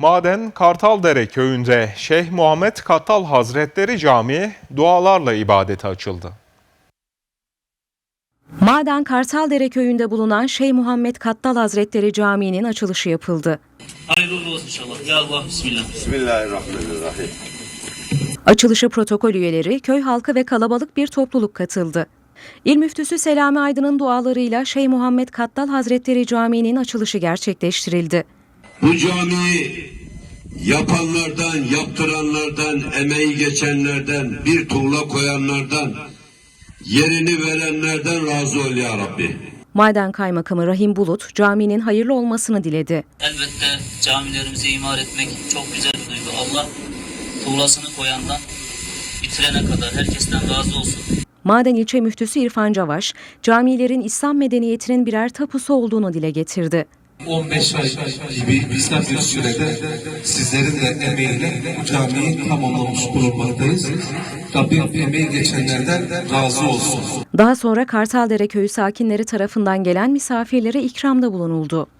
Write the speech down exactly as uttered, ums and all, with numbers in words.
Maden Kartaldere köyünde Şeyh Muhammed Kattal Hazretleri Camii dualarla ibadete açıldı. Maden Kartaldere köyünde bulunan Şeyh Muhammed Kattal Hazretleri Camii'nin açılışı yapıldı. Hayırlı olsun inşallah. Ya Allah, bismillah. Bismillahirrahmanirrahim. Açılışa protokol üyeleri, köy halkı ve kalabalık bir topluluk katıldı. İl Müftüsü Selami Aydın'ın dualarıyla Şeyh Muhammed Kattal Hazretleri Camii'nin açılışı gerçekleştirildi. Bu camiyi yapanlardan, yaptıranlardan, emeği geçenlerden, bir tuğla koyanlardan, yerini verenlerden razı ol ya Rabbi. Maden Kaymakamı Rahim Bulut, caminin hayırlı olmasını diledi. Elbette camilerimizi imar etmek çok güzel bir duygu. Allah tuğlasını koyandan bitirene kadar herkesten razı olsun. Maden İlçe Müftüsü İrfan Cavaş, camilerin İslam medeniyetinin birer tapusu olduğunu dile getirdi. on beş ay gibi kısa bir sürede sizlerin de emeğiyle bu camiyi tamamlamış bulunmaktayız. Rabbim emeği geçenlerden razı olsun. Daha sonra Kartaldere köyü sakinleri tarafından gelen misafirlere ikramda bulunuldu.